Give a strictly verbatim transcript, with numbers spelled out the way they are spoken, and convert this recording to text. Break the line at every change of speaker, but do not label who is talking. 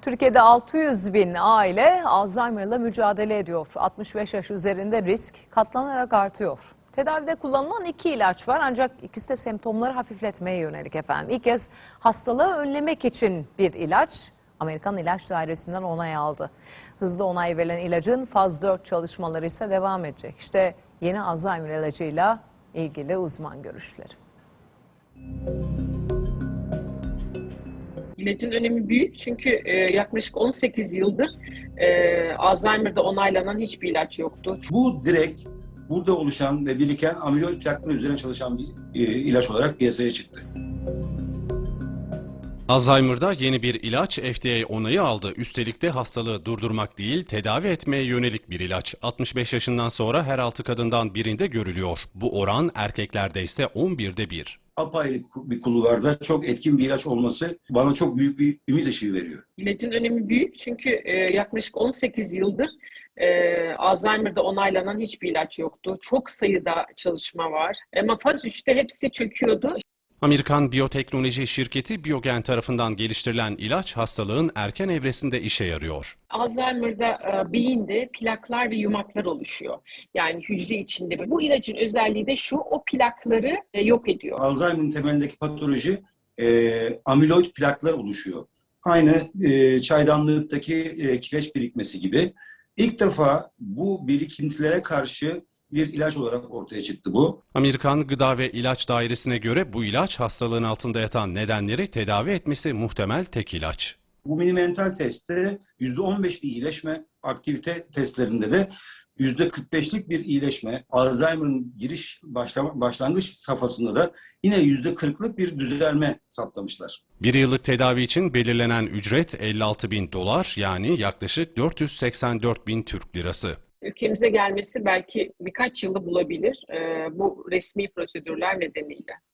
Türkiye'de altı yüz bin aile Alzheimer'la mücadele ediyor. altmış beş yaş üzerinde risk katlanarak artıyor. Tedavide kullanılan iki ilaç var ancak ikisi de semptomları hafifletmeye yönelik efendim. İlk kez hastalığı önlemek için bir ilaç Amerikan İlaç Dairesi'nden onay aldı. Hızlı onay verilen ilacın faz dört çalışmaları ise devam edecek. İşte yeni Alzheimer ilacıyla ilgili uzman görüşleri.
İlacın önemi büyük çünkü e, yaklaşık on sekiz yıldır e, Alzheimer'da onaylanan hiçbir ilaç yoktu.
Bu direkt burada oluşan ve biriken amiloid plakları üzerine çalışan bir e, ilaç olarak piyasaya çıktı.
Alzheimer'da yeni bir ilaç F D A onayı aldı. Üstelik de hastalığı durdurmak değil, tedavi etmeye yönelik bir ilaç. altmış beş yaşından sonra her altı kadından birinde görülüyor. Bu oran erkeklerde ise on birde bir.
Apayrı bir kulvarda çok etkin bir ilaç olması bana çok büyük bir ümit ışığı veriyor.
İlacın önemi büyük çünkü e, yaklaşık on sekiz yıldır e, Alzheimer'da onaylanan hiçbir ilaç yoktu. Çok sayıda çalışma var ama faz üçte hepsi çöküyordu.
Amerikan biyoteknoloji şirketi Biogen tarafından geliştirilen ilaç hastalığın erken evresinde işe yarıyor.
Alzheimer'da e, beyinde plaklar ve yumaklar oluşuyor. Yani hücre içinde. Bu ilacın özelliği de şu, o plakları e, yok ediyor.
Alzheimer'ın temelindeki patoloji e, amiloid plaklar oluşuyor. Aynı e, çaydanlıktaki e, kireç birikmesi gibi. İlk defa bu birikintilere karşı bir ilaç olarak ortaya çıktı bu.
Amerikan Gıda ve İlaç Dairesi'ne göre bu ilaç hastalığın altında yatan nedenleri tedavi etmesi muhtemel tek ilaç.
Bu minimental testte yüzde on beş bir iyileşme, aktivite testlerinde de yüzde kırk beşlik bir iyileşme, Alzheimer'ın giriş başlama, başlangıç safhasında da yine yüzde kırklık bir düzelme saptamışlar.
Bir yıllık tedavi için belirlenen ücret elli altı bin dolar yani yaklaşık dört yüz seksen dört bin Türk lirası.
Ülkemize gelmesi belki birkaç yılı bulabilir e, bu resmi prosedürler nedeniyle.